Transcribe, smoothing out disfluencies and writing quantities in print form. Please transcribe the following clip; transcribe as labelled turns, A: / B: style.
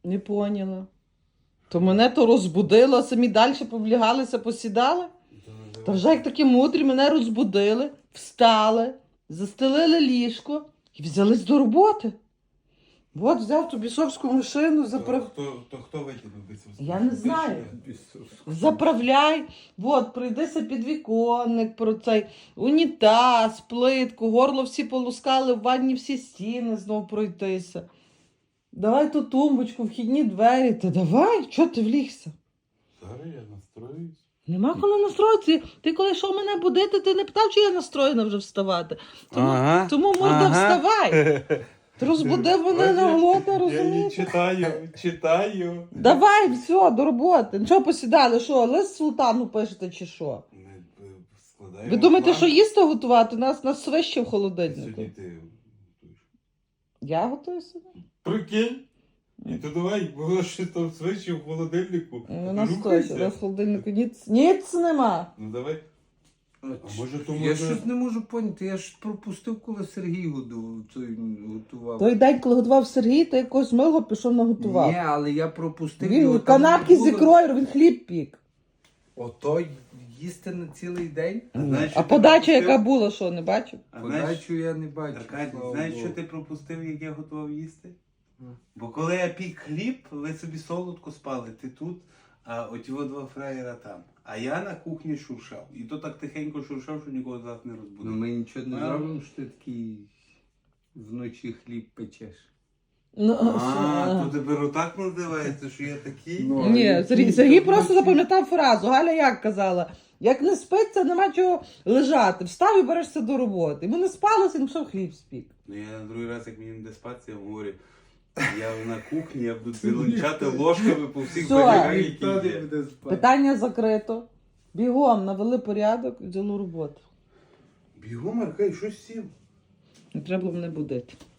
A: Не поняла. То мене то розбудило, самі далі повлягалися, посідали. Та вже як такі мудрі, мене розбудили, встали, застелили ліжко і взялись до роботи. От взяв ту бісовську машину,
B: Хто викинув бісовську?
A: Я не знаю. Заправляй, от, пройдися підвіконник, про цей унітаз, плитку, горло всі полускали, в ванні всі стіни знов пройтися. Давай ту тумбочку, вхідні двері. Та давай, чого ти влігся?
B: Зараз я настроюсь.
A: Нема коли настроїтися. Ти коли йшов мене будити, ти не питав, чи я настроєна вже вставати. Тому морда, вставай. Ти розбудив мене на голодне,
B: Я її
A: розумієш?
B: читаю.
A: Давай, все, до роботи. Нічого посідали, що, лист султану пишете чи що?
B: Ми складаємо
A: Ви думаєте,
B: план.
A: що їсти готувати? Нас свище в холодильнику.
B: Сьогодні ти готуєш.
A: Я готую собі.
B: Прикинь. І то давай, було щось там свечі в холодильнику.
A: У нас
B: Рухайся.
A: точно, в холодильнику ніц нема.
B: Ну давай. А може то
C: Я
B: може...
C: щось не можу поняти, я ж пропустив, коли Сергій готував.
A: Той день, коли готував Сергій, ти якось мило пішов наготував.
C: Ні, але я пропустив.
A: Він
C: його, там
A: канапки
C: не
A: з
C: було.
A: ікрою, він хліб пік.
C: Ото їсти на цілий день?
B: знаєш, що
A: А
B: ти
A: подача,
B: пропустив?
A: яка була, що, не бачив?
B: А знаєш,
C: Подачу я не бачу.
B: Аркадій,
C: слава
B: знаєш,
C: Богу.
B: що ти пропустив, як я готував їсти? Бо коли я пік хліб, ви собі солодко спали, ти тут, а оті два фраєра там. А я на кухні шуршав. І то так тихенько шуршав, що нікого з вас не
C: Ну
B: розбудив.
C: ми нічого не
B: А.
C: зробимо, що ти такий вночі хліб печеш.
A: Ну,
B: То тепер отак називається, що я такий?
C: Ну,
A: ні,
C: Сергій,
A: Сергій
C: то
A: просто
C: вночі.
A: запам'ятав фразу. Галя як казала? Як не спиться, нема чого лежати. Встав і берешся до роботи. Йому не спалося, він пішов хліб спік.
B: Ну я на другий раз, як мені не де спатися, я говорю, я на кухні, я буду зеленчати ложками по всіх
A: Все.
B: бадягах,
C: Ніхто
B: які
C: не
B: є.
C: буде спати.
A: Питання закрито. Бігом навели порядок і взяли роботу.
B: Бігом, Аркадій, щось сів.
A: Не треба було мене будити.